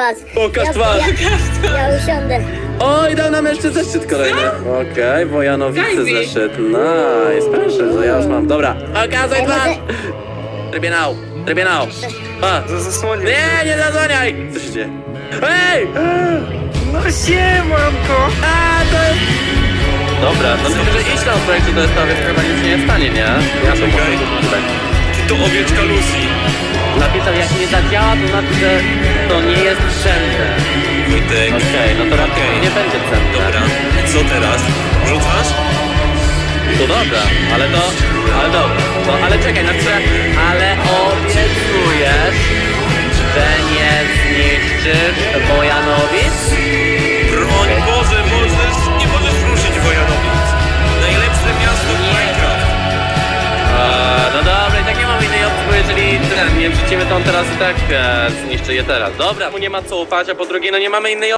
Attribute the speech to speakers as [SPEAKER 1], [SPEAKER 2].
[SPEAKER 1] Patrz.
[SPEAKER 2] Pokaż twarz.
[SPEAKER 1] Ja usiądę.
[SPEAKER 2] Oj, dał nam jeszcze zeszyt kolejny. Okej, Wojanowicy
[SPEAKER 3] Daj mi.
[SPEAKER 2] zeszyt. Nice, proszę, to ja już mam. Dobra, pokazuj
[SPEAKER 1] Ej,
[SPEAKER 2] twarz.
[SPEAKER 1] może-
[SPEAKER 2] Trybunał. Pa.
[SPEAKER 4] Zasłonię.
[SPEAKER 2] Nie zasłaniaj. Co się dzieje? Ej!
[SPEAKER 4] No siemanko.
[SPEAKER 2] A, to jest... Dobra, no myślę, że idź tam w projekcie do STW, chyba nic się nie stanie, nie? Ja to
[SPEAKER 4] Czekaj.
[SPEAKER 2] mogę tutaj.
[SPEAKER 4] To owieczka Lucy.
[SPEAKER 2] Napisał, jak nie zadziała, to znaczy, że to nie jest cenne.
[SPEAKER 4] Wojtek.
[SPEAKER 2] Okej, no to raczej
[SPEAKER 4] Okej.
[SPEAKER 2] nie będzie cenne.
[SPEAKER 4] Dobra, co teraz? Rzucasz?
[SPEAKER 2] To dobra, ale dobra. No, ale czekaj, znaczy, ale obiecujesz, że nie zniszczysz Wojanowic?
[SPEAKER 4] Broń Boże, nie możesz ruszyć Wojanowic. Najlepsze miasto w Minecraft.
[SPEAKER 2] No dobra, i tak nie mam innej opcji, bo jeżeli nie wrzucimy, to on teraz i tak zniszczy je teraz. Dobra, mu nie ma co ufać, a po drugie, no nie mamy innej